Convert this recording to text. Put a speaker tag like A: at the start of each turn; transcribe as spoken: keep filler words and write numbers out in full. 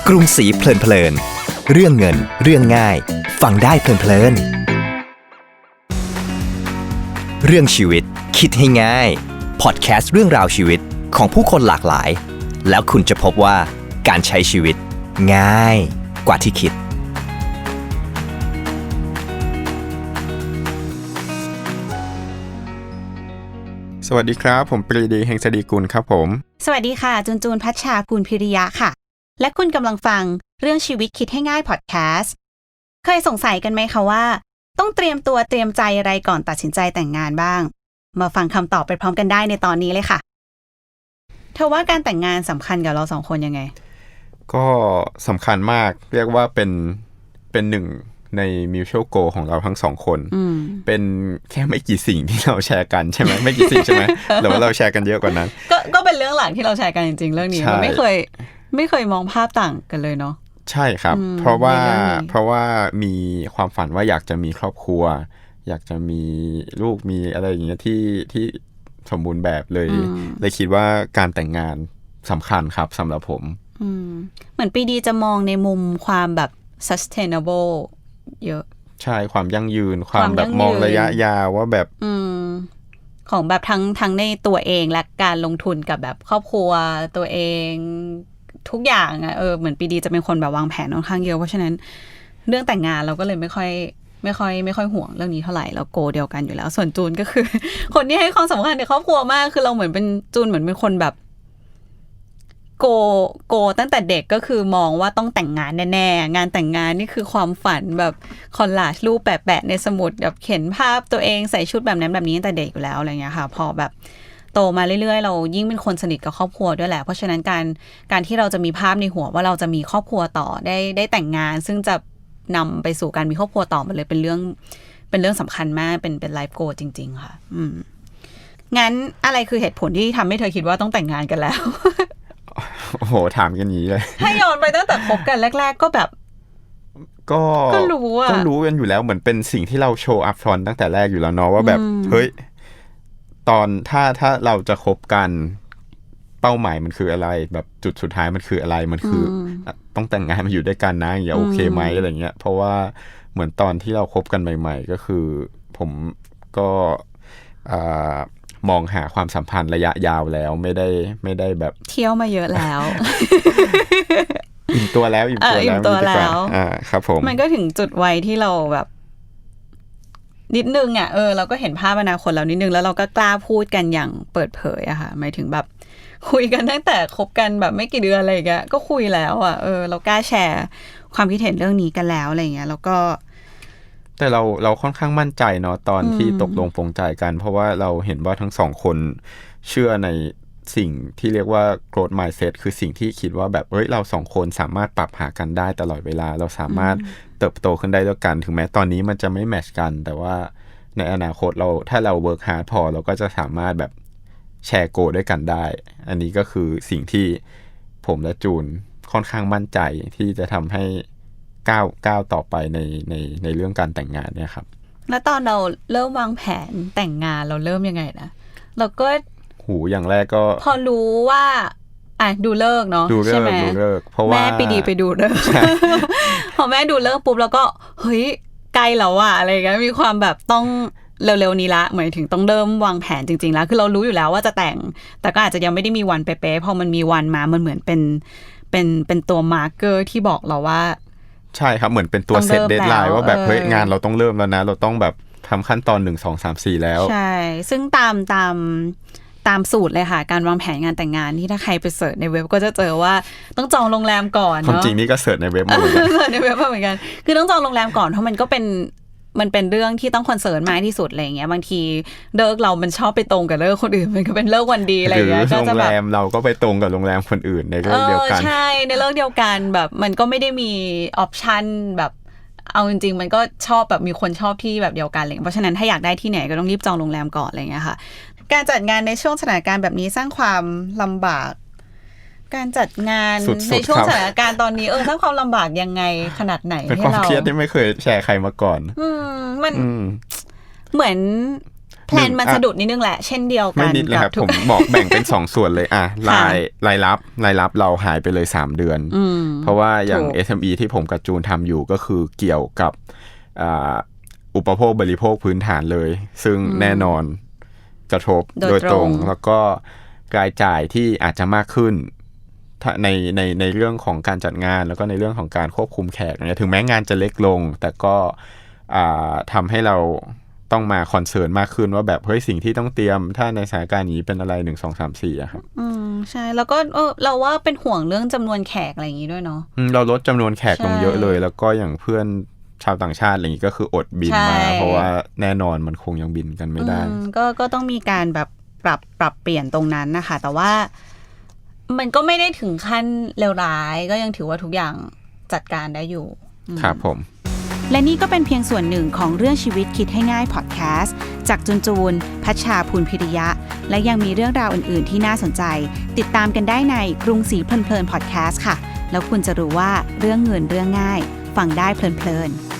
A: กรุงศรีเพลินเพลินเรื่องเงินเรื่องง่ายฟังได้เพลินเพลินเรื่องชีวิตคิดให้ง่ายพอดแคสต์เรื่องราวชีวิตของผู้คนหลากหลายแล้วคุณจะพบว่าการใช้ชีวิตง่ายกว่าที่คิด
B: สวัสดีครับผมปรีดีเฮงสดีกุลครับผม
C: สวัสดีค่ะจูนจูนพัชชากุลพิริยะค่ะและคุณกำลังฟังเรื่องชีวิตคิดให้ง่ายพอดแคสต์เคยสงสัยกันไหมคะว่าต้องเตรียมตัวเตรียมใจอะไรก่อนตัดสินใจแต่งงานบ้างมาฟังคำตอบไปพร้อมกันได้ในตอนนี้เลยค่ะเธอว่าการแต่งงานสำคัญกับเราสองคนยังไง
B: ก็สำคัญมากเรียกว่าเป็นเป็นหนึ่งใน mutual goal ของเราทั้งสองคนเป็นแค่ไม่กี่สิ่งที่เราแชร์กันใช่ไหมไม่กี่สิ่งใช่ไหมหรือว่าเราแชร์กันเยอะกว่านั้น
C: ก็ก็เป็นเรื่องหลักที่เราแชร์กันจริงๆเรื่องนี้มันไม่เคยไม่เคยมองภาพต่างกันเลยเนาะ
B: ใช่ครับเพราะว่าเพราะว่ามีความฝันว่าอยากจะมีครอบครัวอยากจะมีลูกมีอะไรอย่างเงี้ยที่ที่สมบูรณ์แบบเลยเลยคิดว่าการแต่งงานสำคัญครับสำหรับผม
C: เหมือนปีดีจะมองในมุมความแบบ sustainable เยอะ
B: ใช่ความยั่งยืนความแบบมองระยะยาวว่าแบบ
C: ของแบบทั้งทั้งในตัวเองและการลงทุนกับแบบครอบครัวตัวเองทุกอย่างอ่ะเออเหมือนปีดีจะเป็นคนแบบวางแผนค่อนข้างเยอะเพราะฉะนั้นเรื่องแต่งงานเราก็เลยไม่ค่อยไม่ค่อยไม่ค่อยห่วงเรื่องนี้เท่าไหร่แล้วโกเดียวกันอยู่แล้วส่วนจูนก็คือ คนที่ให้ความสำคัญในครอบครัวมากคือเราเหมือนเป็นจูนเหมือนเป็นคนแบบโกโกตั้งแต่เด็กก็คือมองว่าต้องแต่งงานแน่ๆงานแต่งงานนี่คือความฝันแบบคอลลาจรูปแปะๆในสมุดแบบเข็นภาพตัวเองใส่ชุดแบบนั้นแบบนี้ตั้งแต่เด็กอยู่แล้วอะไรเงี้ยค่ะพอแบบโตมาเรื่อยๆเรายิ่งเป็นคนสนิทกับครอบครัวด้วยแหละเพราะฉะนั้นการการที่เราจะมีภาพในหัวว่าเราจะมีครอบครัวต่อได้ได้แต่งงานซึ่งจะนำไปสู่การมีครอบครัวต่อมันเลยเป็นเรื่องเป็นเรื่องสำคัญมากเป็นเป็นไลฟ์โกลจริงๆค่ะอืมงั้นอะไรคือเหตุผลที่ทำให้เธอคิดว่าต้องแต่งงานกันแล้ว
B: โอ้โหถามกันนี้เลย
C: ให้ย้อนไปตั้งแต่คบกันแรกๆก็แบบ
B: ก็
C: ก็รู้อะ
B: ก็รู้กันอยู่แล้วเหมือนเป็นสิ่งที่เราโชว์อัพฟรอนต์ตั้งแต่แรกอยู่แล้วเนาะว่าแบบเฮ้ยตอนถ้าถ้าเราจะคบกันเป้าหมายมันคืออะไรแบบจุดสุดท้ายมันคืออะไรมันคือต้องแต่งงานมาอยู่ด้วยกันนะอย่าโอเคไหมอะไรเงี้ยเพราะว่าเหมือนตอนที่เราคบกันใหม่ๆก็คือผมก็มองหาความสัมพันธ์ระยะยาวแล้วไม่ได้ไม่ได้แบบ
C: เที่ยวมาเยอะแล้ว
B: อิ่มตัวแล้วอิ่มตัวแล้วอิ่มตัวแล้วอ่าครับผม
C: มันก็ถึงจุดวัยที่เราแบบนิดนึงอ่ะเออเราก็เห็นภาพอนาคตแล้วนิดนึงแล้วเราก็กล้าพูดกันอย่างเปิดเผยอะค่ะหมายถึงแบบคุยกันตั้งแต่คบกันแบบไม่กี่เดือนอะไรอย่างเงี้ยก็คุยแล้วอ่ะเออเรากล้าแชร์ความคิดเห็นเรื่องนี้กันแล้วอะไรอย่างเงี้ยแล้วก็
B: แต่เราเราค่อนข้างมั่นใจเนาะตอนที่ตกลงปรงใจกันเพราะว่าเราเห็นว่าทั้งสองคนเชื่อในสิ่งที่เรียกว่า growth mindset คือสิ่งที่คิดว่าแบบเฮ้ยเราสองคนสามารถปรับหากันได้ตลอดเวลาเราสามารถเติบโตขึ้นได้ด้วยกันถึงแม้ตอนนี้มันจะไม่แมทช์กันแต่ว่าในอนาคตเราถ้าเรา work hard พอเราก็จะสามารถแบบแชร์โกด้วยกันได้อันนี้ก็คือสิ่งที่ผมและจูนค่อนข้างมั่นใจที่จะทำให้ก้าวก้าวต่อไปในในในเรื่องการแต่งงานเนี่ยครับ
C: แล้วตอนเราเริ่มวางแผนแต่งงานเราเริ่มยังไงนะเราก็
B: หูอย่างแรกก็
C: พอรู้ว่าอ่ะดูเลิกเนาะใช่ไหม
B: ดูเลิกเพราะว่า
C: แม่ไปดีไปดูเลิก พอแม่ดูเลิกปุ๊บแล้วก็เฮ้ยใกล้แล้วอะอะไรเงี้ยมีความแบบต้องเร็วๆนี้ละหมายถึงต้องเริ่มวางแผนจริงๆแล้วคือเรารู้อยู่แล้วว่าจะแต่งแต่ก็อาจจะยังไม่ได้มีวันเป๊ะๆพอมันมีวันมามันเหมือนเป็นเป็นเป็นตัวมาร์กเกอร์ที่บอกเราว่า
B: ใช่ครับเหมือนเป็นตัวเซตเดดไลน์ว่าแบบเฮ้ยงานเราต้องเริ่มแล้วนะเราต้องแบบทำขั้นตอนหนึ่ง สอง สาม สี่แล้ว
C: ใช่ซึ่งตามตามตามสูตรเลยค่ะการวางแผนงานแต่งงานที่ถ้าใครไปเสิร์ชในเว็บก็จะเจอว่าต้องจองโรงแรมก่อนเนาะ
B: ความจริงนี่ก็เสิร์ชในเว็บมาเหมือนกัน
C: เสิร์ชในเว็บมาเหมือนกันคือต้องจองโรงแรมก่อนเพราะมันก็เป็นมันเป็นเรื่องที่ต้องคอนเซิร์นมากที่สุดอะไรอย่างเงี้ยบางทีเลิกเรามันชอบไปตรงกับเลิกคนอื่นมันก็เป็นเลิกวันดีอะไรอย่างเงี้ย
B: ก็จะแบบโรงแรมเราก็ไปตรงกับโรงแรมคนอื่นในเลิกเดียวกัน
C: ใช่ในเลิกเดียวกันแบบมันก็ไม่ได้มีออปชั่นแบบเอาจริงๆมันก็ชอบแบบมีคนชอบที่แบบเดียวกันเลยเพราะฉะนั้นถ้าอยากได้ที่ไหนก็ต้องรีบจองโรงแรมก่อนอะไรอย่างเงี้ยค่ะการจัดงานในช่วงสถานการณ์แบบนี้สร้างความลำบากการจัดงานในช่วงสถานการณ์ตอนนี้เออสร้างความลำบากยังไงขนาดไหนให้เรา
B: เป็นความเครียดที่ไม่เคยแชร์ใครมาก่อน
C: อืมมันเหมือนแพลนมันสะดุดนิดนึงแหละเช่นเดียวกัน
B: ไม่นิดเลยครับผมบอกแบ่งเป็นสองส่วนเลยอ่ะรายรายรับรายรับเราหายไปเลยสามเดือนเพราะว่าอย่าง เอส เอ็ม อี ที่ผมกับจูนทำอยู่ก็คือเกี่ยวกับอุปโภคบริโภคพื้นฐานเลยซึ่งแน่นอนกระทบโดยตรงแล้วก็รายจ่ายที่อาจจะมากขึ้นในในในเรื่องของการจัดงานแล้วก็ในเรื่องของการควบคุมแขกเนี่ยถึงแม้งานจะเล็กลงแต่ก็ทำให้เราต้องมาคอนเซิร์นมากขึ้นว่าแบบเฮ้ยสิ่งที่ต้องเตรียมถ้าในสถานการณ์นี้เป็นอะไรหนึ่งสองสามสี่อะครับ
C: อืมใช่แล้วก็เออเราว่าเป็นห่วงเรื่องจำนวนแขกอะไรอย่างนี้ด้วยเนาะ
B: เราลดจำนวนแขกลงเยอะเลยแล้วก็อย่างเพื่อนชาวต่างชาติอะไรอย่างนี้ก็คืออดบินมาเพราะว่าแน่นอนมันคงยังบินกันไม่ได้
C: ก็ก็ต้องมีการแบบปรับปรับเปลี่ยนตรงนั้นนะคะแต่ว่ามันก็ไม่ได้ถึงขั้นเลวร้ายก็ยังถือว่าทุกอย่างจัดการได้อยู่
B: ครับผม
C: และนี่ก็เป็นเพียงส่วนหนึ่งของเรื่องชีวิตคิดให้ง่ายพอดแคสต์จากจูนจูนพัชชาภูลพิริยะและยังมีเรื่องราวอื่นๆที่น่าสนใจติดตามกันได้ในกรุงศรีเพลินๆพอดแคสต์ค่ะแล้วคุณจะรู้ว่าเรื่องเงินเรื่องง่ายฟังได้เพลินๆ